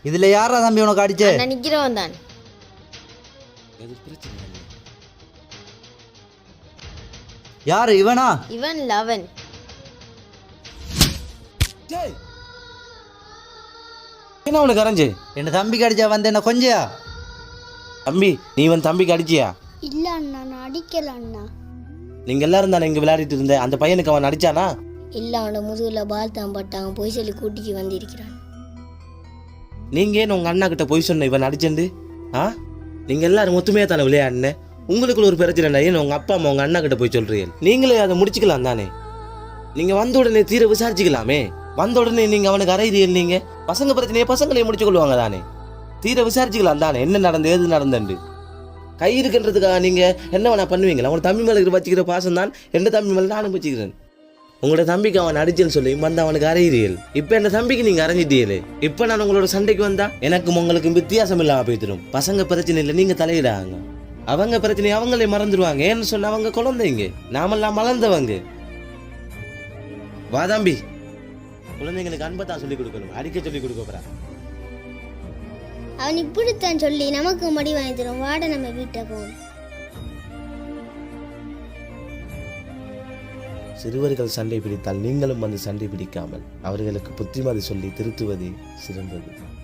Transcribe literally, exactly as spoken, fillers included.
இதுல யாரா தம்பி உனக்கு அடிச்சே? நான் நிக்கிறவன் தான். யாரு இவனா? இவன் லவன். என்ன உனக்கு அரைஞ்சு? என்ன தம்பிக்கு அடிச்சா வந்து என்ன கொஞ்சியா? தம்பி நீ இவன் தம்பிக்கு அடிச்சியா? இல்ல அண்ணா, நான் அடிக்கல அண்ணா. நீங்க எல்லாரும் தானே இங்க விளையாடிட்டு இருந்த, அந்த பையனுக்கு அவன் அடிச்சானா? இல்ல, அவன முதுகுல பால் தான் பட்டாங்க, போய் சொல்லி கூட்டிக்கு வந்திருக்கிறான். நீங்க ஏன் உங்க அண்ணா கிட்ட போய் சொன்ன இவன் அடிச்சண்டு? ஆ நீங்க எல்லாரும் மொத்தமே தானே விளையாடுன, உங்களுக்குள்ள ஒரு பிரச்சனை ஏன் உங்க அப்பா அம்மா உங்க அண்ணா கிட்ட போய் சொல்றீங்க? நீங்களே அதை முடிச்சுக்கலாம் தானே. நீங்க வந்த உடனே தீர விசாரிச்சுக்கலாமே. வந்த உடனே நீங்க அவனுக்கு அறையிறீர்கள். நீங்க பசங்க பிரச்சனையை பசங்களே முடிச்சு கொள்வாங்க தானே. தீர விசாரிச்சுக்கலாம் தானே, என்ன நடந்து எது நடந்துண்டு. கை இருக்குன்றதுக்காக நீங்க என்ன வேணா பண்ணுவீங்களா? உங்க தம்பி மேல வச்சுக்கிற பாசம் தான் எந்த தம்பி மேல நானும் வச்சுக்கிறேன். உங்களோட தம்பிக்கு அவன் அடிச்சேன்னு சொல்லி வந்து அவனுக்கு அறையிறீர்கள். இப்ப என்ன தம்பிக்கு நீங்க அரைஞ்சிட்டீங்களே. இப்ப நான் உங்களோட சண்டைக்கு வந்தா எனக்கும் உங்களுக்கும் வித்தியாசம் இல்லாம போய்த்திரும். பசங்க பிரச்சனை இல்லை, நீங்க தலையிடாங்க. அவங்க பிரச்சனை அவங்களே மறந்துடுவாங்க. ஏன்னு சொன்ன அவங்க குழந்தைங்க, நாமெல்லாம் மலர்ந்தவங்க. வா தம்பி, குழந்தைங்களுக்கு அன்பை தான் சொல்லிக் கொடுக்கணும், அடிக்க சொல்லிக் கொடுக்க போறா. அவன் இப்படித்தான் சொல்லி நமக்கு மடி வாங்கி தரும். வாட நம்ம வீட்டை போவோம். சிறுவர்கள் சண்டை பிடித்தால் நீங்களும் வந்து சண்டை பிடிக்காமல் அவர்களுக்கு புத்திமதி சொல்லி திருத்துவதே சிறந்தது.